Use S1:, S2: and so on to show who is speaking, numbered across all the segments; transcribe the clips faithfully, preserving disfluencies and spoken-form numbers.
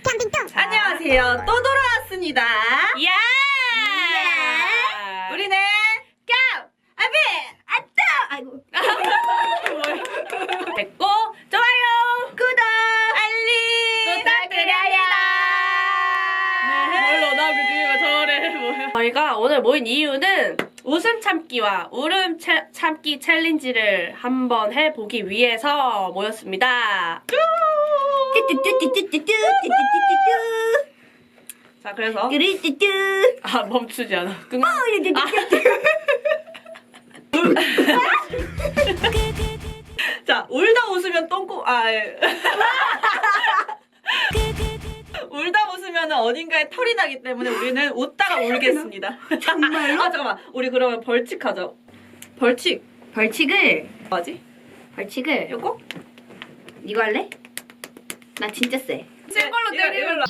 S1: 안녕하세요. 또 돌아왔습니다.
S2: 야!
S1: 예. 우리는 cao 아비 아따 아이고
S2: 됐고 좋아요
S1: 구독 알림
S2: 부탁드려요. 뭘로 나 그지 저래 뭐야. 저희가 오늘 모인 이유는 웃음 참기와 울음 채, 참기 챌린지를 한번 해보기 위해서 모였습니다.
S1: 뚜뚜뚜뚜뚜뚜뚜뚜뚜뚜뚜
S2: 자 그래서
S1: 뚜뚜뚜
S2: 아 멈추지 않아. 끊어. 자 울다 웃으면 똥꼬 아 예. 울다 웃으면 어딘가에 털이 나기 때문에 우리는 웃다가 울겠습니다.
S1: 정말로?
S2: 아 잠깐만 우리 그러면 벌칙하자. 벌칙
S1: 벌칙을
S2: 뭐지?
S1: 벌칙을
S2: 이거?
S1: 이거 할래? 나 진짜 세.
S2: 센 걸로 때리는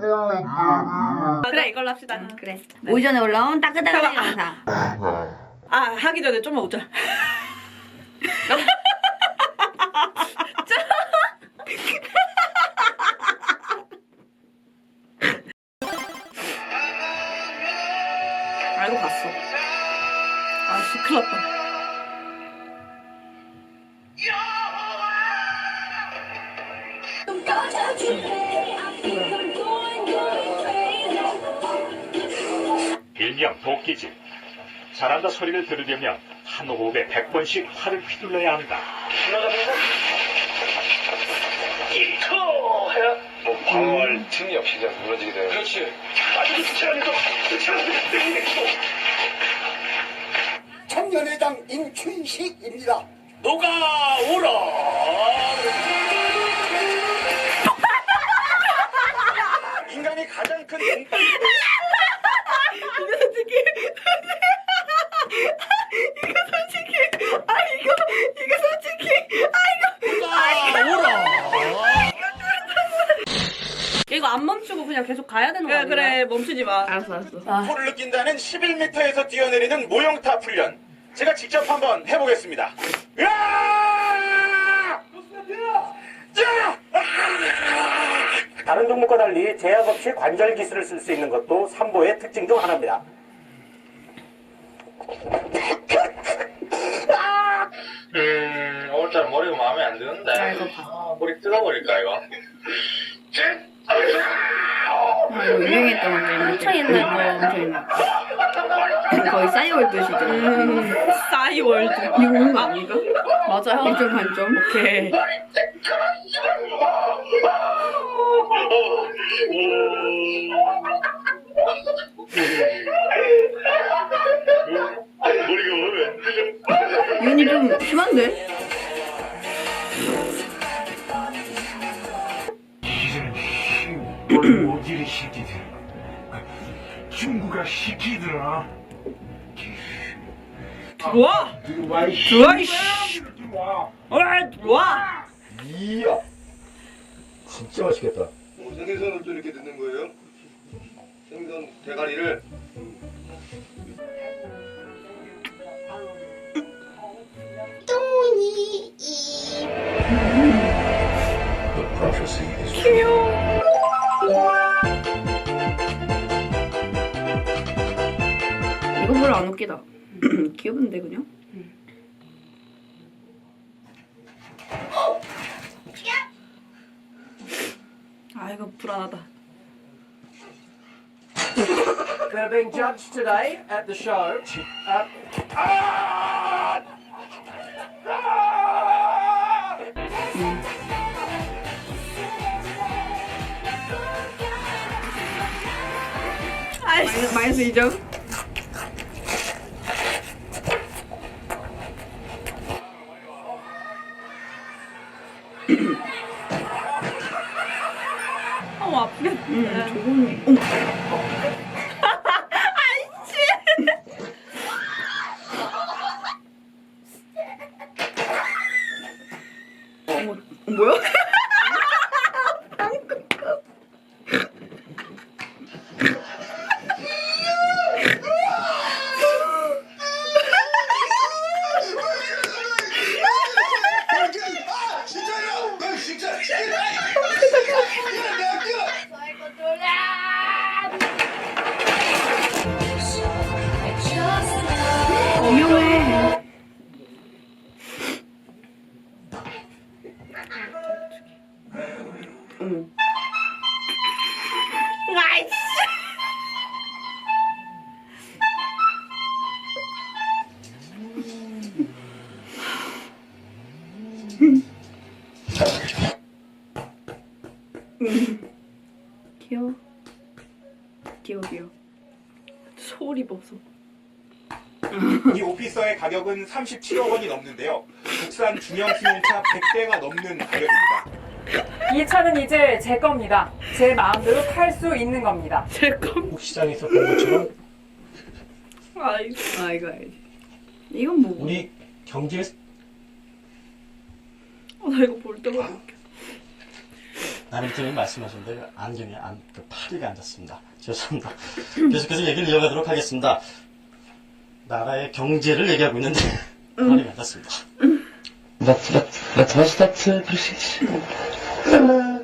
S2: 그래 이걸로 합시다.
S1: 그래.
S2: 네.
S1: 오전에 올라온 따끈따끈한
S2: 잠깐만.
S1: 영상.
S2: 아 하기 전에 좀만 웃자. 알고 봤어. 아 시끄럽다.
S3: 일명 도끼질. 잘한다 소리를 들으려면 한 호흡에 백 번씩 팔을 휘둘러야 한다. 이터 해야
S4: 뭐 방어할 틈이 없이 그냥 무너지게 되는.
S3: 그렇지. 아주 괜찮아도 괜찮아도
S5: 청년회장 임춘식입니다.
S3: 누가 울어?
S4: 인간이 가장 큰 능-
S2: 이거 솔직히 이거 솔직히 아 이거 이거 솔직히 아 이거 이거 안 멈추고 그냥 계속 가야 되는 거
S1: 그래,
S2: 아니야?
S1: 그래,
S2: 멈추지 마.
S1: 알았어 알았어.
S4: 소를 느낀다는 십일 미터에서 뛰어내리는 모형탑 훈련. 제가 직접 한번 해보겠습니다. 으아! 자!
S6: 다른 종목과 달리 제약 없이 관절 기술을 쓸 수 있는 것도 삼보의 특징 중 하나입니다.
S7: 음, 오늘따라 머리가 마음에 안 드는데.
S1: 아, 이거 봐.
S7: 아, 머리 뜯어버릴까, 이거?
S1: 아, 이거 유행했던 건데 엄청 옛날 거 엄청 옛날 거. 거의 싸이월드 시절.
S2: 음, 싸이월드.
S1: 이거 오는 거 아닌가?
S2: 맞아요.
S1: 일 점 반점.
S2: 오케이.
S7: 머리가 마음에 안 들어.
S1: 윤이 좀 심한데?
S3: 이런 모질이 시키들. 중국아 시키더라.
S2: 들어와.
S3: 들어와 이
S2: 들어와 이씨.
S3: 들어와.
S2: 어 들어와.
S4: 이야. 진짜 맛있겠다.
S5: 생선을 또 이렇게 넣는 거예요? 생선 대가리를.
S1: 이거 별로 안 웃기다. 귀여운데 그냥?
S2: 아 이거 불안하다.
S6: They're being judged today at the show. Uh,
S1: 마이너스, 마이너스 이 점.
S2: 어 아프겠다.
S1: 음, 저거는 어. 어, 뭐야?
S5: 아 진짜요? 너 진짜.
S1: 귀여워. 귀여워 귀여워.
S2: 소리 보소.
S4: 이 오피서의 가격은 삼십칠억 원이 넘는데요. 국산 중형 승용차 백 대가 넘는 가격입니다.
S8: 이 차는 이제 제 겁니다. 제 마음대로 탈 수 있는 겁니다.
S2: 제껌.
S6: 시장에서 본 것처럼
S2: 아이고.
S1: 아 이거 알지. 이건 뭐?
S6: 우리 경제
S2: 어, 나 이거 볼 때마다 웃겨.
S9: 남일팀이 말씀하셨는데 안경에 안, 그 파리가 앉았습니다. 죄송합니다. 계속해서 얘기를 이어가도록 하겠습니다. 나라의 경제를 얘기하고 있는데 파리가 앉았습니다.
S7: Wat, wat, wat was dat uh, precies? Uh,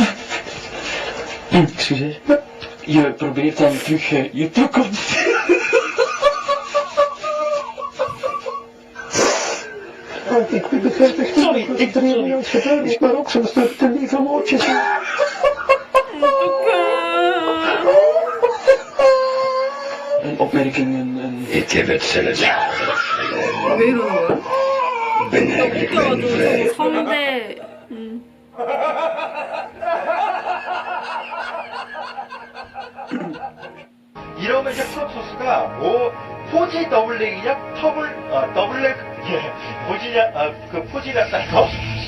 S7: excuseer. Je probeert dan terug uh, je toekomst. Ik begrijp het. Sorry, ik ben heel erg gedaan is, maar ook soms de, de lieve woordjes. Een opmerking, een... een... Ik heb het zelf.
S1: 왜 이러는 거야?
S2: 웃겨가지고 성대. 음.
S9: 이러면 이제 크롭 소스가 뭐 포지 더블렉이냐 터블 어, 더블렉 예 포지냐 아, 그 포지 같다는 거.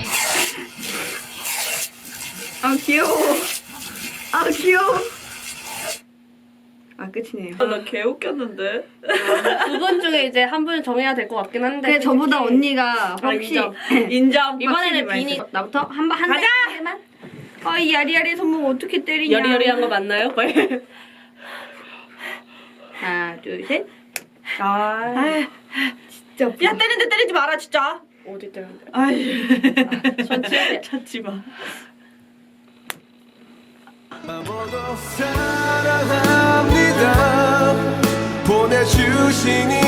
S1: 아 귀여워. 아 귀여워. 아 끝이네요.
S2: 아, 나 개 웃겼는데. 두 분 중에 이제 한 분을 정해야 될 것 같긴 한데.
S1: 근데 저보다
S2: 솔직히-
S1: 언니가
S2: 아,
S1: 혹시
S2: 인정. 인정.
S1: 이번에는
S2: 확실히
S1: 비니
S2: 말씀.
S1: 나부터 한번 한
S2: 가자!
S1: 대만. 아이 야리야리 손목 어떻게 때리냐?
S2: 여리여리한 거 맞나요?
S1: 하나 둘 셋.
S2: 아,
S1: 진짜.
S2: 야 때리는데 때리지 마라 진짜. 어디 때리는데?
S1: 아이.
S2: 전 치우게 찾지 마.
S10: 아무도 사랑합니다 보내주신 이